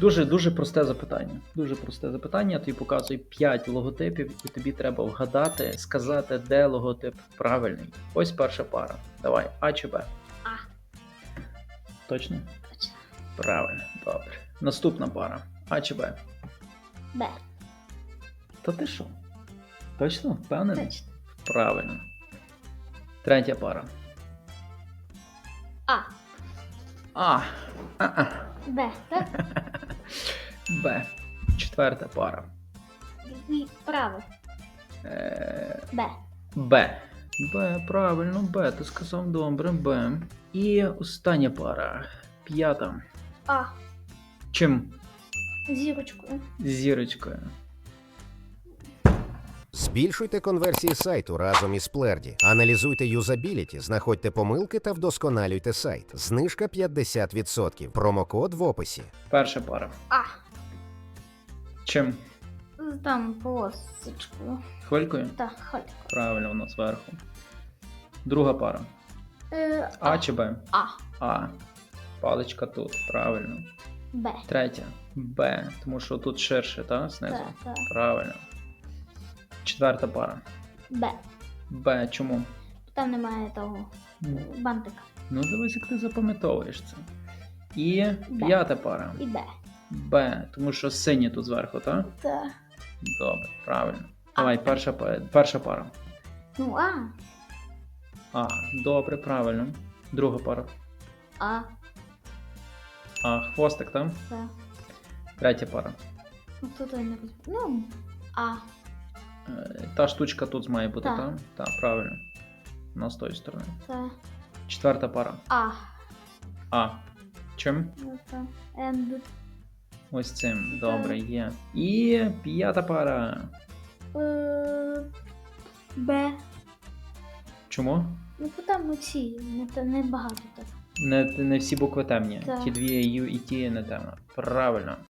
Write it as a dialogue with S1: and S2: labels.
S1: Дуже просте запитання. Дуже просте запитання. Я тобі показую 5 логотипів, і тобі треба вгадати, сказати, де логотип правильний. Ось перша пара. Давай, А чи Б?
S2: А.
S1: Точно?
S2: Точно.
S1: Правильно, добре. Наступна пара. А чи Б?
S2: Б.
S1: Та ти що? Точно? Впевнений?
S2: Точно.
S1: Правильно. Третя пара.
S2: А.
S1: А.
S2: Б. Так?
S1: Б. Четверта пара.
S2: І право. Б.
S1: Б. Б, правильно, Б. Ти сказав добре, Б. І остання пара. П'ята.
S2: А.
S1: Чим?
S2: Зірочкою.
S1: Зірочкою.
S3: Збільшуйте конверсії сайту разом із Splerdі. Аналізуйте юзабіліті, знаходьте помилки та вдосконалюйте сайт. Знижка 50%. Промокод в описі.
S1: Перша пара.
S2: А.
S1: Чим?
S2: Там полосочкою.
S1: Хвилькою?
S2: Так, халько.
S1: Правильно, воно зверху. Друга пара. А чи Б?
S2: А.
S1: А. Паличка тут, правильно.
S2: Б.
S1: Третя. Б. Тому що тут ширше, так? Знизу?
S2: Так, так.
S1: Правильно. Четверта пара.
S2: Б.
S1: Б. Чому?
S2: Там немає того бантика.
S1: Ну, дивись, як ти запам'ятовуєш це. І
S2: Б.
S1: п'ята пара.
S2: І Б.
S1: Б. Тому що синє тут зверху, так?
S2: Так.
S1: Добре, правильно.
S2: А.
S1: Давай, перша пара.
S2: Ну, А.
S1: А. Добре, правильно. Друга пара.
S2: А.
S1: А. Хвостик, так?
S2: Так.
S1: Третя пара.
S2: Ну, тут я не розумію. Ну, А.
S1: Та штучка тут має бути,
S2: Так.
S1: так? Так, правильно. Вона з тої сторони.
S2: Так.
S1: Четверта пара.
S2: А.
S1: А. Чим?
S2: Ну, так. Енд.
S1: Ось цим. Добре, є. І п'ята пара.
S2: Б.
S1: Чому?
S2: Ну, там оці. Не багато так.
S1: Не всі букви темні.
S2: Так.
S1: Ті дві Ю і ті не темно. Правильно.